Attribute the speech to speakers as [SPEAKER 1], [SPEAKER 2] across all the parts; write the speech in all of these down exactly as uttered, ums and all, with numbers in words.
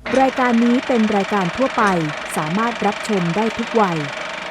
[SPEAKER 1] รายการนี้เป็นรายการทั่วไปสามารถรับชมได้ทุกวัย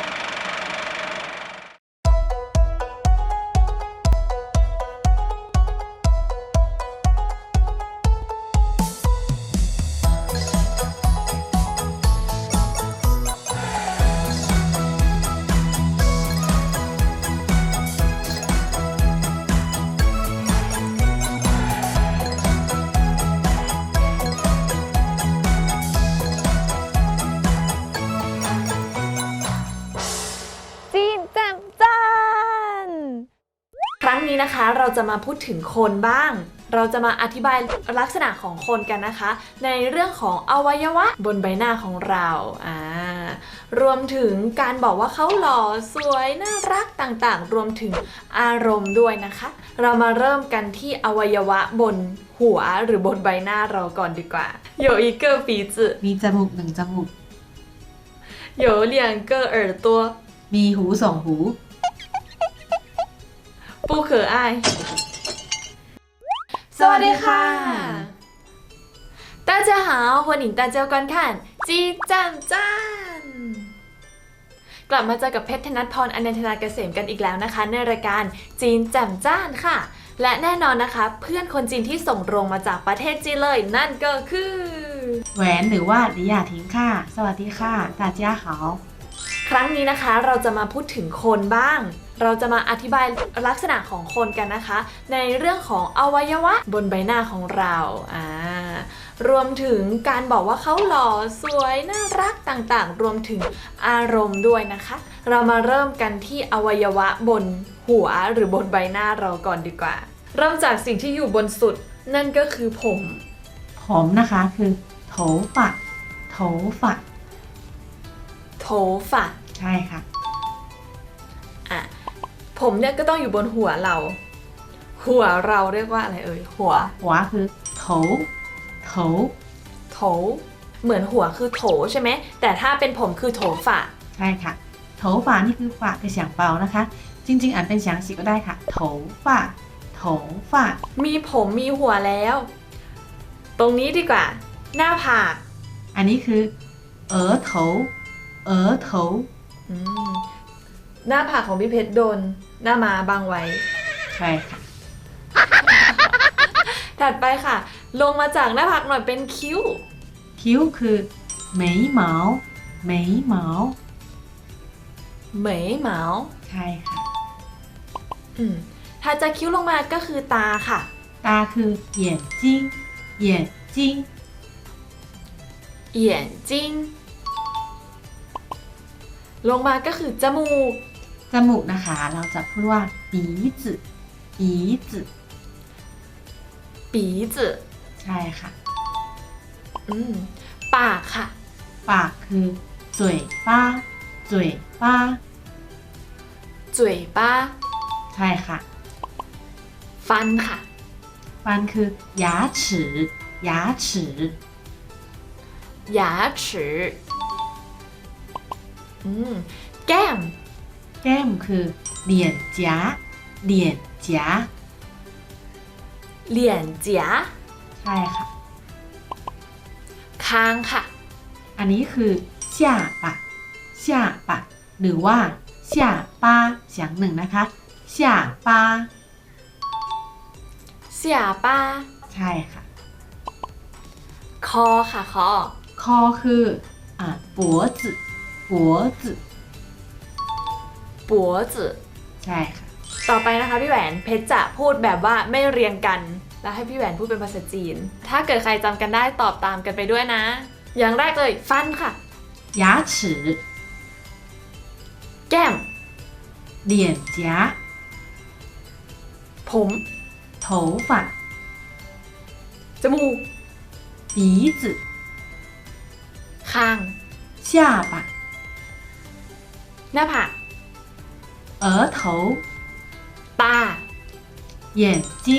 [SPEAKER 2] ครั้งนี้นะคะเราจะมาพูดถึงคนบ้าง เราจะมาอธิบายลักษณะของคนกันนะคะ ในเรื่องของอวัยวะบนใบหน้าของเราอ่ารวมถึงการบอกว่าเขาหล่อสวยน่ารักต่างๆรวมถึงอารมณ์ด้วยนะคะ เรามาเริ่มกันที่อวัยวะบนหัวหรือบนใบหน้าเราก่อนดีกว่า有一个鼻子
[SPEAKER 3] มีจมูกหนึ่งจมูก
[SPEAKER 2] 有两个耳朵
[SPEAKER 3] มีหูสองหู
[SPEAKER 2] 不可爱สวัสดีค่ะ大家好欢迎大家观看จีจันจันกลับมาเจอกับเพชรธนัทพรอนันทนาเกษมกันอีกแล้วนะคะในรายการจีนแจ่มจ้านค่ะและแน่นอนนะคะเพื่อนคนจีนที่ส่งตรงมาจากประเทศจีนเลยนั่นก็คือ
[SPEAKER 3] แหวนหรือว่าลิยาทิงค่ะสวัสดีค่ะ大家好
[SPEAKER 2] ครั้งนี้นะคะเราจะมาพูดถึงคนบ้างเราจะมาอธิบายลักษณะของคนกันนะคะในเรื่องของอวัยวะบนใบหน้าของเราอ่ารวมถึงการบอกว่าเขาหล่อสวยน่ารักต่างๆรวมถึงอารมณ์ด้วยนะคะเรามาเริ่มกันที่อวัยวะบนหัวหรือบนใบหน้าเราก่อนดีกว่าเริ่มจากสิ่งที่อยู่บนสุดนั่นก็คือผม
[SPEAKER 3] ผมนะคะคือโถฝะโถฝะ
[SPEAKER 2] โถฝะ
[SPEAKER 3] ใช่ค่ะ
[SPEAKER 2] อ่ะผมเนี่ยก็ต้องอยู่บนหัวเราหัวเราเรียกว่าอะไรเอ่ยหัว
[SPEAKER 3] หัวคือโถโถ
[SPEAKER 2] โถเหมือนหัวคือโถใช่ไหมแต่ถ้าเป็นผมคือโถฝะ
[SPEAKER 3] ใช่ค่ะโถฝะนี่คือฝะคือเสียงเบานะคะจริงๆอ่านเป็นเสียงสีก็ได้ค่ะโถฝะโถฝะ
[SPEAKER 2] มีผมมีหัวแล้วตรงนี้ดีกว่าหน้าผาก
[SPEAKER 3] อันนี้คือเอ๋อโถเอ๋อโถ
[SPEAKER 2] อืมหน้าผากของพี่เพชรโดนหน้ามาบังไว้
[SPEAKER 3] ใช่ค่ะ
[SPEAKER 2] ถัดไปค่ะลงมาจากหน้าผากหน่อยเป็นคิ้ว
[SPEAKER 3] คิ้วคือเหมยเหมาเหมยเหมา
[SPEAKER 2] เหมยเหมา
[SPEAKER 3] ใช่ค่ะ
[SPEAKER 2] อืมถ้าจะคิ้วลงมาก็คือตาค่ะ
[SPEAKER 3] ตาคือเหยียนจิ้งเหยียนจิ้ง
[SPEAKER 2] เหยียนจิ้งลงมาก็คือจมูก
[SPEAKER 3] จมูกนะคะเราจะพูดว่าปีจื่ปีจื่
[SPEAKER 2] ปีจื่
[SPEAKER 3] ใช่ค่ะ
[SPEAKER 2] อืมปากค่ะ
[SPEAKER 3] ปากคือจุ๋ยป้าจุ๋ยป้า
[SPEAKER 2] จุ๋ยป้า
[SPEAKER 3] ใช่ค่ะ
[SPEAKER 2] ฟันค่ะ
[SPEAKER 3] ฟันคือ牙齿牙齿
[SPEAKER 2] 牙齿อืมแก้ม
[SPEAKER 3] แก้มคือเหลี่ยนจ๋าเหลี่ยนจ๋า
[SPEAKER 2] เหลี่ยนจ๋า
[SPEAKER 3] ใช่ค่ะ
[SPEAKER 2] คางค่ะ
[SPEAKER 3] อันนี้คือ下巴下巴หรือว่า下巴เสียงหนึ่งนะคะ下巴
[SPEAKER 2] 下巴
[SPEAKER 3] ใช่ค่ะ
[SPEAKER 2] คอค่ะคอ
[SPEAKER 3] คอคืออ่า脖子脖子
[SPEAKER 2] 脖子
[SPEAKER 3] ใช่ค่ะ
[SPEAKER 2] ต่อไปนะคะพี่แหวนเพชรจะพูดแบบว่าไม่เรียงกันแล้วให้พี่แหวนพูดเป็นภาษาจีนถ้าเกิดใครจำกันได้ตอบตามกันไปด้วยนะอย่างแรกเลยฟันค่ะ
[SPEAKER 3] 牙齿
[SPEAKER 2] แก้ม
[SPEAKER 3] เหลี่ยนจ๋า
[SPEAKER 2] ผม
[SPEAKER 3] 头发
[SPEAKER 2] จมูก
[SPEAKER 3] 鼻子
[SPEAKER 2] คาง
[SPEAKER 3] 下巴
[SPEAKER 2] หน้าผาก
[SPEAKER 3] 额头
[SPEAKER 2] ตา
[SPEAKER 3] 眼睛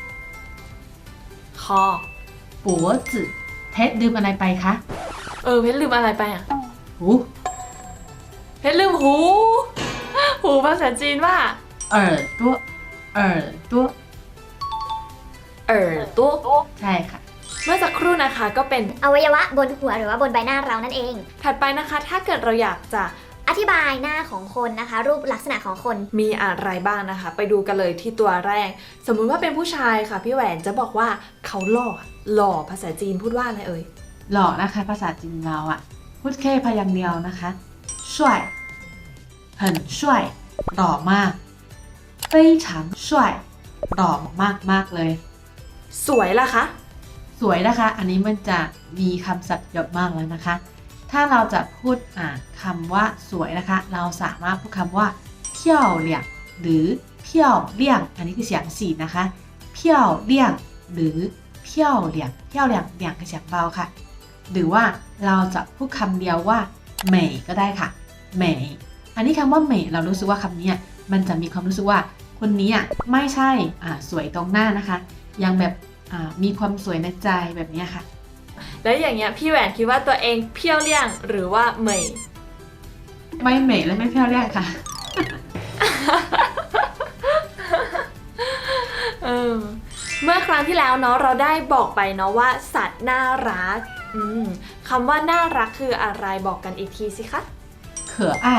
[SPEAKER 2] คอ
[SPEAKER 3] 脖子เพชรลืมอะไรไปคะ
[SPEAKER 2] เออเพชรลืมอะไรไปอ่ะ
[SPEAKER 3] หู
[SPEAKER 2] เพชรลืมหูหูภาษาจีนว่า
[SPEAKER 3] 耳朵耳朵
[SPEAKER 2] 耳朵
[SPEAKER 3] ใช่ค่ะ
[SPEAKER 2] เมื่อสักครู่นะคะก็เป็น
[SPEAKER 4] อวัยวะบนหัวหรือว่าบนใบหน้าเรานั่นเอง
[SPEAKER 2] ถัดไปนะคะถ้าเกิดเราอยากจะ
[SPEAKER 4] อธิบายหน้าของคนนะคะ รูปลักษณะของคน
[SPEAKER 2] มีอะไรบ้างนะคะ ไปดูกันเลยที่ตัวแรก สมมุติว่าเป็นผู้ชายค่ะพี่แหวนจะบอกว่าเขาหล่อหล่อภาษาจีนพูดว่าอะไรเอ่ย
[SPEAKER 3] หล่อนะคะภาษาจีนเราอ่ะพูดแค่พยางค์เดียวนะคะช่วย很帅หล่อมาก非常帅หล่อมากมากๆเลย
[SPEAKER 2] สวยล่ะคะ
[SPEAKER 3] สวยนะคะ อันนี้มันจะมีคำศัพท์เยอะมากแล้วนะคะ ถ้าเราจะพูดอ่าคำว่าสวยนะคะ เราสามารถพูดคำว่าเพี้ยวเหลี่ยงหรือเพี้ยวเลี่ยงอันนี้คือเสียงสีนะคะเพี้ยวเลี่ยงหรือเพี้ยวเหลี่ยงเพี้ยวเหลี่ยงเหลี่ยงคือเสียงเบาค่ะ หรือว่าเราจะพูดคำเดียวว่าเหม่ก็ได้ค่ะเหม่อันนี้คำว่าเหม่เรารู้สึกว่าคำนี้มันจะมีความรู้สึกว่าคนนี้อ่ะไม่ใช่อ่าสวยตรงหน้านะคะ ยังแบบอ่ามีความสวยในใจแบบนี้ค่ะ
[SPEAKER 2] แล้วอย่างเงี้ยพี่แหวนคิดว่าตัวเองเพี้ยวเลี่ยงหรือว่าเหมย
[SPEAKER 3] ไม่เหม่และไม่เพี้ยวเรียกค่ะ
[SPEAKER 2] เออเมื่อครั้งที่แล้วเนาะเราได้บอกไปเนาะว่าสัตว์น่ารักอืมคำว่าน่ารักคืออะไรบอกกันอีกทีสิคะ
[SPEAKER 3] เขออ้าย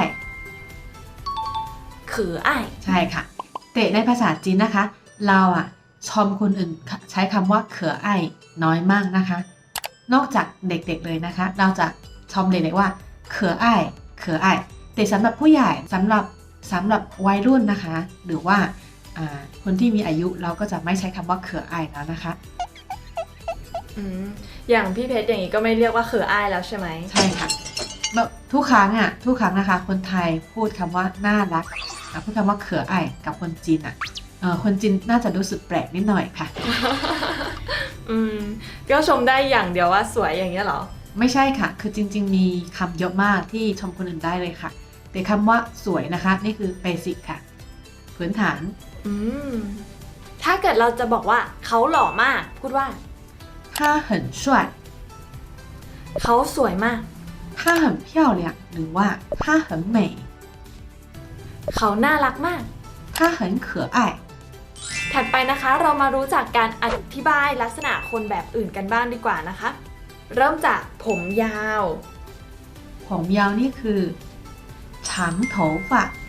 [SPEAKER 2] ขืออ้าย
[SPEAKER 3] ใช่ค่ะแต่ในภาษาจีนนะคะ เราอ่ะชมคนอื่นใช้คำว่าเขออ้ายน้อยมากนะคะ นอกจากเด็กๆเลยนะคะ เราจะชมเด็กๆว่าเขออ้ายเขออ้ายแต่สำหรับผู้ใหญ่สำหรับสำหรับวัยรุ่นนะคะ หรือว่าอ่าคนที่มีอายุเราก็จะไม่ใช้คำว่าเขออ้ายแล้วนะคะ
[SPEAKER 2] อืมอย่างพี่เพชรอย่างงี้ก็ไม่เรียกว่าขืออ้ายแล้วใช่ไหม
[SPEAKER 3] ใช่ค่ะแบบทุกครั้งอ่ะทุกครั้งนะคะ คนไทยพูดคำว่าน่ารักอ่ะพูดคำว่าเขออ้ายกับคนจีนอ่ะเออคนจีนน่าจะรู้สึกแปลกนิดหน่อยค่ะ
[SPEAKER 2] อืมก็ชมได้อย่างเดียวว่าสวยอย่างเงี้ยเหรอ
[SPEAKER 3] ไม่ใช่ค่ะ คือจริงๆมีคำเยอะมากที่ชมคนอื่นได้เลยค่ะ แต่คำว่าสวยนะคะ นี่คือเบสิกค่ะ พื้นฐาน
[SPEAKER 2] อืมถ้าเกิดเราจะบอกว่าเขาหล่อมาก พูดว่า
[SPEAKER 3] 他很帅
[SPEAKER 2] เขาสวยมาก
[SPEAKER 3] 他很漂亮หรือว่า他很美
[SPEAKER 2] เขาน่ารักมาก
[SPEAKER 3] 他很可爱
[SPEAKER 2] ถัดไปนะคะเรามารู้จักการอธิบายลักษณะคนแบบอื่นกันบ้างดีกว่านะคะ เริ่มจากผมยาว
[SPEAKER 3] ผมยาวนี่คือ长头发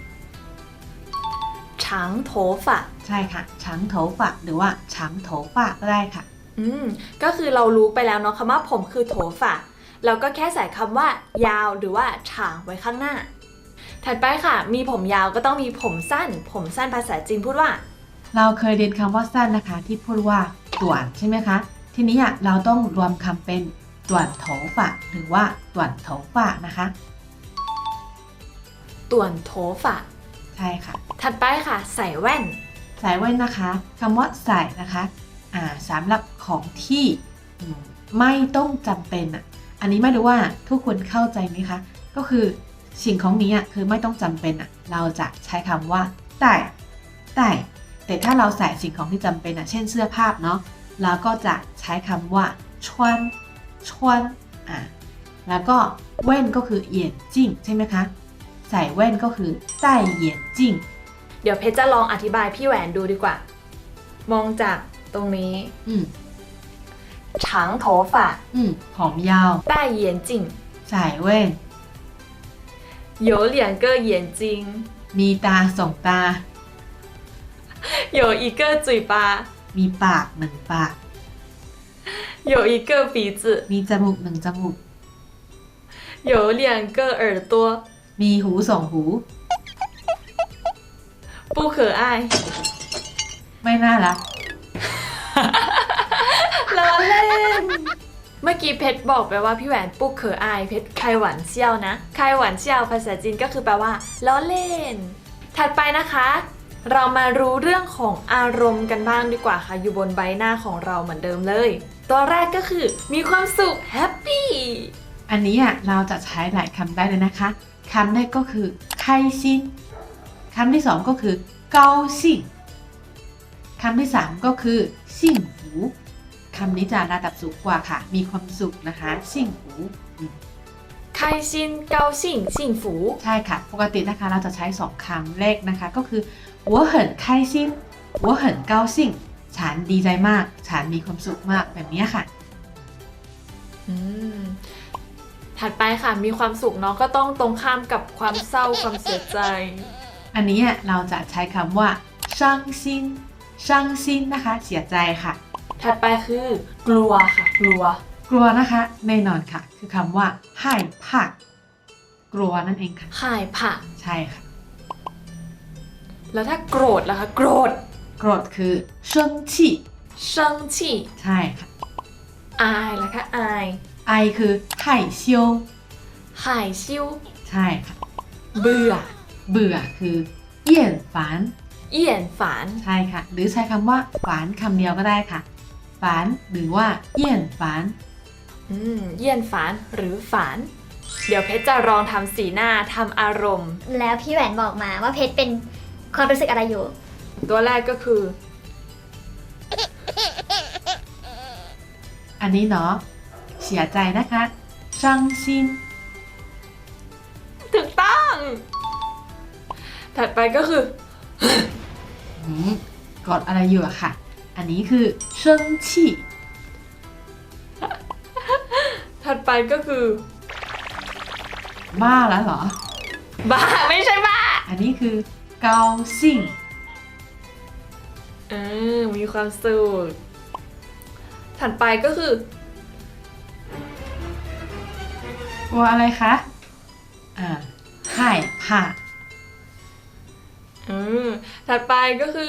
[SPEAKER 2] ฉางโถฝะ
[SPEAKER 3] ใช่ค่ะ长头发หรือว่า长头发ก็ได้ค่ะ
[SPEAKER 2] อืมก็คือเรารู้ไปแล้วเนาะคำว่าผมคือโถฝะเราก็แค่ใส่คำว่ายาวหรือว่าฉางไว้ข้างหน้า ถัดไปค่ะ มีผมยาวก็ต้องมีผมสั้น ผมสั้นภาษาจีนพูดว่า
[SPEAKER 3] เราเคยเรียนคำว่าสั้นนะคะ ที่พูดว่าต่วนใช่ไหมคะ ทีนี้อ่ะเราต้องรวมคำเป็นต่วนโถฝะหรือว่าต่วนโถฝะนะคะ
[SPEAKER 2] ต่วนโถฝะ
[SPEAKER 3] ใช่ค่ะ
[SPEAKER 2] ถัดไปค่ะ ใส่แว่น
[SPEAKER 3] ใส่แว่นนะคะคำว่าใส่นะคะอ่าสำหรับของที่อืมไม่ต้องจำเป็นอ่ะอันนี้ไม่รู้ว่าทุกคนเข้าใจไหมคะก็คือสิ่งของนี้อ่ะคือไม่ต้องจำเป็นอ่ะเราจะใช้คำว่าแต่แต่แต่ถ้าเราใส่สิ่งของที่จำเป็นอ่ะเช่นเสื้อผ้าเนาะเราก็จะใช้คำว่าชวนชวนอ่าแล้วก็แว่นก็คือเหยียนจิ้งใช่ไหมคะใส่แว่นก็คือใต้เหยียนจิ้ง
[SPEAKER 2] เดี๋ยวเพชรจะลองอธิบายพี่แหวนดูดีกว่า มองจากตรงนี้
[SPEAKER 3] อืม
[SPEAKER 2] ฉางโถฝะ
[SPEAKER 3] อืมผมยาว
[SPEAKER 2] 戴眼镜
[SPEAKER 3] ใส่แว่น
[SPEAKER 2] 有两个眼睛
[SPEAKER 3] มีตาสองตา
[SPEAKER 2] 有一个嘴巴
[SPEAKER 3] มีปากหนึ่งปาก
[SPEAKER 2] 有一个鼻子
[SPEAKER 3] มีจมูกหนึ่งจมูก
[SPEAKER 2] 有两个耳朵
[SPEAKER 3] มีหูสองหู
[SPEAKER 2] 不可爱
[SPEAKER 3] ไม่น่ารัก
[SPEAKER 2] ล้อเล่น เมื่อกี้เพชรบอกไปว่าพี่แหวนปุ๊กเขออายเพชรไคหวันเซี่ยวนะไคหวันเซี่ยวภาษาจีนก็คือแปลว่าล้อเล่น ถัดไปนะคะ เรามารู้เรื่องของอารมณ์กันบ้างดีกว่าค่ะอยู่บนใบหน้าของเราเหมือนเดิมเลย ตัวแรกก็คือมีความสุขแฮปปี้
[SPEAKER 3] อันนี้อ่ะเราจะใช้หลายคำได้เลยนะคะคำแรกก็คือไคซินคำที่สองก็คือเกาซิงคำที่สามก็คือซิ่งหูคำนี้จะระดับสูงกว่าค่ะ มีความสุขนะคะซิ่งหูอืม
[SPEAKER 2] 开心高兴幸福
[SPEAKER 3] ใช่ค่ะ ปกตินะคะเราจะใช้สองคำแรกนะคะก็คือ我很开心我很高兴ฉันดีใจมาก ฉันมีความสุขมากแบบนี้ค่ะ
[SPEAKER 2] อืมถัดไปค่ะมีความสุขเนาะก็ต้องตรงข้ามกับความเศร้าความเสียใจ
[SPEAKER 3] อันนี้เราจะใช้คำว่าช่างซินช่างซินนะคะเสียใจค่ะ
[SPEAKER 2] ถัดไปคือกลัวค่ะกลัว
[SPEAKER 3] กลัวนะคะแน่นอนค่ะ คือคำว่าไห่ผักกลัวนั่นเองค่ะ
[SPEAKER 2] ข่ายผ่า
[SPEAKER 3] ใช่ค่ะ
[SPEAKER 2] แล้วถ้าโกรธล่ะคะโกรธ
[SPEAKER 3] โกรธคือเชิงชี่
[SPEAKER 2] เชิงชี่
[SPEAKER 3] ใช่ค่ะ
[SPEAKER 2] อายล่ะคะอาย
[SPEAKER 3] ไอคือไห่เซียว
[SPEAKER 2] หายชิว
[SPEAKER 3] ใช่ค่ะ
[SPEAKER 2] เบื่อ
[SPEAKER 3] เบื่อคือเยี่ยนฝาน
[SPEAKER 2] เอี่ยนฝาน
[SPEAKER 3] ใช่ค่ะ หรือใช้คำว่าฝานคำเดียวก็ได้ค่ะฝานหรือว่าเยี่ยนฝาน
[SPEAKER 2] อืมเยี่ยนฝานหรือฝาน เดี๋ยวเพชรจะลองทำสีหน้าทำอารมณ์
[SPEAKER 4] แล้วพี่แหวนบอกมาว่าเพชรเป็นความรู้สึกอะไรอยู่
[SPEAKER 2] ตัวแรกก็คือ
[SPEAKER 3] อันนี้เนาะเสียใจนะคะช่างซิน
[SPEAKER 2] ถูกต้อง ถัดไปก็คือ
[SPEAKER 3] อืมกดอะไรอยู่อะค่ะ อันนี้คือเชิงชี่
[SPEAKER 2] ถัดไปก็คือ
[SPEAKER 3] บ้าแล้วเหรอ
[SPEAKER 2] บ้าไม่ใช่บ้า
[SPEAKER 3] อันนี้คือเกาซิ่ง
[SPEAKER 2] เออมีความสุข ถัดไปก็คือ
[SPEAKER 3] กลัวอะไรคะ อ่าไห่ผ่า
[SPEAKER 2] อืมถัดไปก็คือ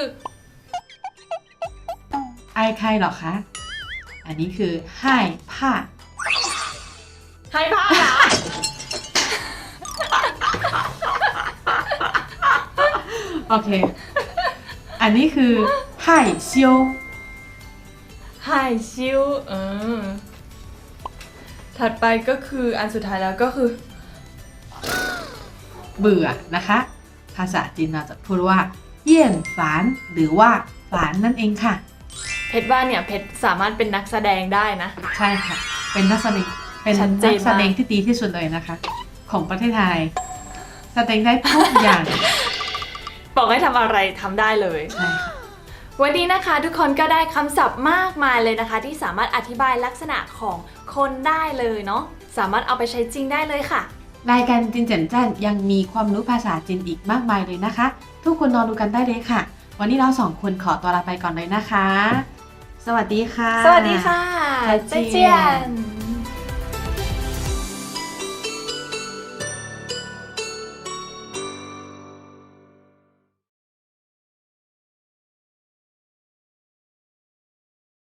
[SPEAKER 3] ไอใครเหรอคะ อันนี้คือไห่ผ่า
[SPEAKER 2] ให้ผ้าเหรอ
[SPEAKER 3] โอเค อันนี้คือไห่เซียว
[SPEAKER 2] หายชิวเออถัดไปก็คืออันสุดท้ายแล้วก็คือ
[SPEAKER 3] เบื่อนะคะ ภาษาจีนเราจะพูดว่าเยี่ยนฝานหรือว่าฝานนั่นเองค่ะ
[SPEAKER 2] เพชรว่าเนี่ยเพชรสามารถเป็นนักแสดงได้นะ
[SPEAKER 3] ใช่ค่ะ เป็นนักแสดงเป็น
[SPEAKER 2] ชัดเจ
[SPEAKER 3] นั
[SPEAKER 2] น
[SPEAKER 3] ก
[SPEAKER 2] มาก
[SPEAKER 3] แสดงที่ดีที่สุดเลยนะคะ ของประเทศไทย แสดงได้ทุกอย่าง
[SPEAKER 2] บอกให้ทำอะไรทำได้เลย
[SPEAKER 3] ใช่ค่ะ
[SPEAKER 2] วันนี้นะคะทุกคนก็ได้คำศัพท์มากมายเลยนะคะ ที่สามารถอธิบายลักษณะของคนได้เลยเนาะสามารถเอาไปใช้จริงได้เลยค่ะ
[SPEAKER 3] รายการจินเจินจันยังมีความรู้ภาษาจีนอีกมากมายเลยนะคะ ทุกคนรอดูกันได้เลยค่ะ วันนี้เราสองคนขอตัวลาไปก่อนเลยนะคะ สวัสดีค่ะ
[SPEAKER 2] สวัสดีค่ะ
[SPEAKER 3] 再见
[SPEAKER 2] 再见